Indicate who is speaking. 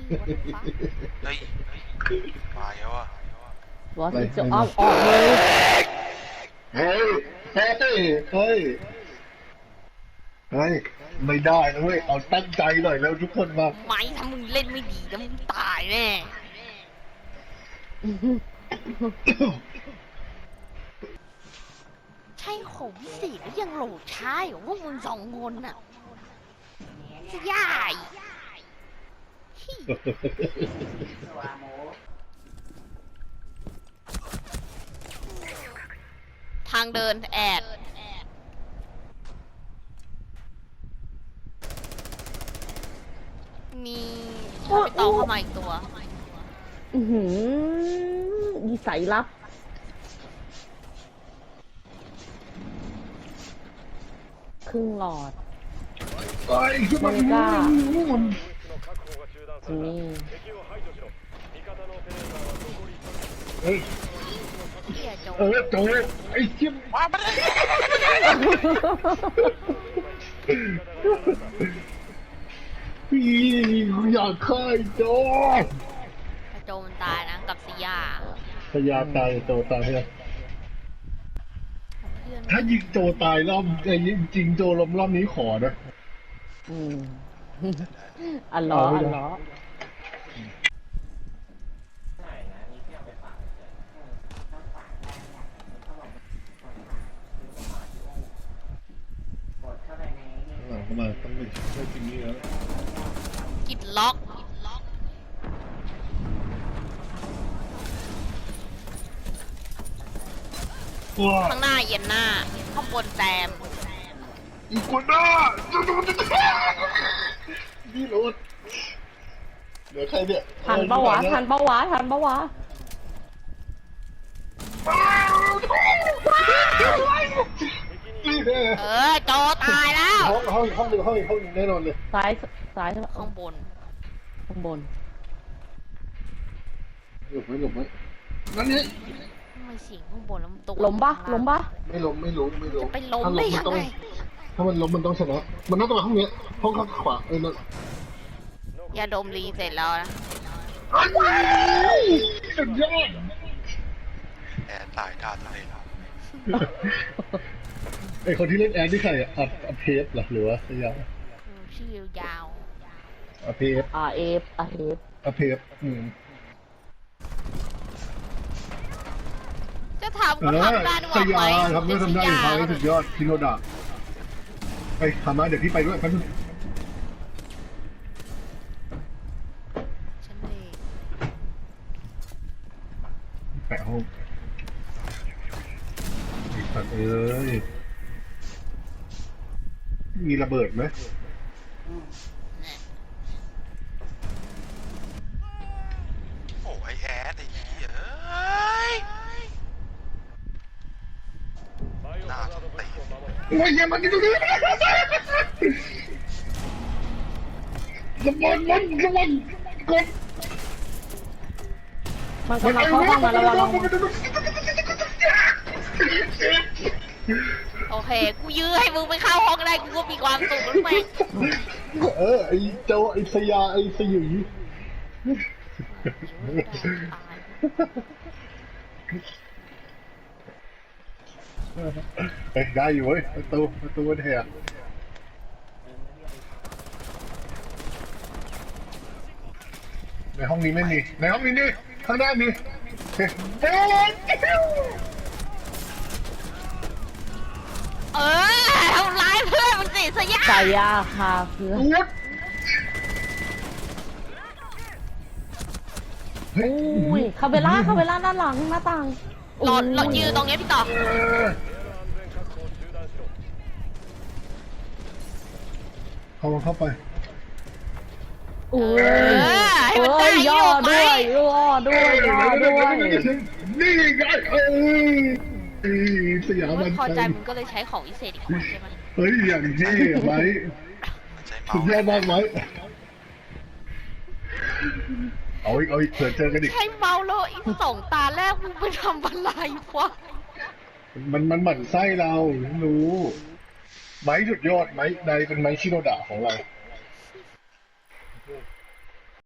Speaker 1: เฮ้ยมาแล้วอ่ะ
Speaker 2: วอสิจะอ้อมออกเลย
Speaker 3: เฮ้ยเฮ้ยเฮ้ยเฮ้ยไม่ได้นะเว้ยเอาตั้งใจหน่อยแล้วทุกคนมา
Speaker 4: ไม่ถ้ามึงเล่นไม่ดีแล้วมึงตายแน่ ใช่ของพิเศษแล้วยังโหลดช้าอยู่พวกมึงสองคนน่ะยายทางเดินแอดมีไปต่อเข้ามาอีกตัว
Speaker 2: นิสัยลับครึ่งหลอด
Speaker 3: ไอ้ที่มัน
Speaker 2: กล้า
Speaker 3: นี่เฮ้ยโจไอ้เจี๊ยบมาไม่ได้พี่อยากฆ่าไอ้โจ
Speaker 4: โจมันตายนะกับซิยา
Speaker 3: ตายโจตายใช่ไหมถ้ายิงโจตายรอบไอ้จริงโจรอบนี้ขอนะ
Speaker 2: อันล้อ
Speaker 3: เข้ามาต้องไปช่วยกินนี่แล้ว
Speaker 4: กิดล็อกข้างหน้าเย็นหน้าข้างบนแซม
Speaker 3: อีกคนหน้านี่รถเหลือใครเนี่ย
Speaker 2: ทันปะวะ
Speaker 4: โจตายแล้ว
Speaker 3: ห้องแน่นอนเลย
Speaker 2: ซ้าย
Speaker 4: ข้างบน
Speaker 3: หลบไหมนั่นนี่
Speaker 4: ไม่เสียงข้างบนแล้วมันตก
Speaker 2: ล้มปะ
Speaker 3: ไม่ล้ม
Speaker 4: จะไปล้มได้ยังไง
Speaker 3: ถ้ามันล้มมันต้องชนะมันน่าจะมาห้องนี้ห้องข้างขวานั่น
Speaker 4: ยาดมรีเสร็จแล้วนะ
Speaker 3: สุดยอด
Speaker 1: แอนตายท่าทะเลแล้ว
Speaker 3: ไอคนที่เล่นแอนที่ใครอ่ะอัพเพฟหรือว่าอะไร
Speaker 4: ชื่อยาว
Speaker 3: อัพเพฟอัพเพฟ
Speaker 4: จะถามว่าทำได้หรือเปล่าไหม
Speaker 3: ทำได้สุดยอดคิโนดะไปทำมาเดี๋ยวพี่ไปด้วยครับ
Speaker 4: ฉันเอง
Speaker 3: แปะห้องอีกสัตว์เอ้ยมีระเบิดไหม
Speaker 1: โอ้ยแอดไอ้เหี้ยหน้าตี
Speaker 3: โอ้ยอย่ามากินตรงนี้ระเบิดมันกด
Speaker 2: มันกำลังเข้าห้องมาระวัง
Speaker 4: โอเคกูยื้อให้มึงไปเข้าห้องได้กูก็มีความสุขแล้วไหม
Speaker 3: ไอ้โจไอ้สยาไอ้สยุยได้อยู่เว้ยประตูมันแหกในห้องนี้ไม่มีในห้องนี้นี่ข้างหน้ามี
Speaker 4: ทำร้ายเพื่อนมันสิสยา
Speaker 2: สายาคาเพื่อนคาเบล่าด้านหลังหน้าต่าง
Speaker 4: หลอดยืนตรงนี้พี่ต่อ
Speaker 3: เข้าไป
Speaker 4: ให้มันได้
Speaker 2: ย่อด้วย
Speaker 3: นี่ไงสยามมัน
Speaker 4: พอใจมึงก็เลยใช้ของวิเศษอีกคนใช่ไหม
Speaker 3: เฮ้ยอย่างเท่ไหมสุดยอดมากไหมเอาอีกเผื่อเจอกันอีก
Speaker 4: ใช้เมาแล้วอีก2 ตาแรกมึงไปทำอะไรวะ
Speaker 3: มันหมั่นไส้เรารู้ไม้สุดยอดไม้ใดเป็นไม้ชิโนดะของเรา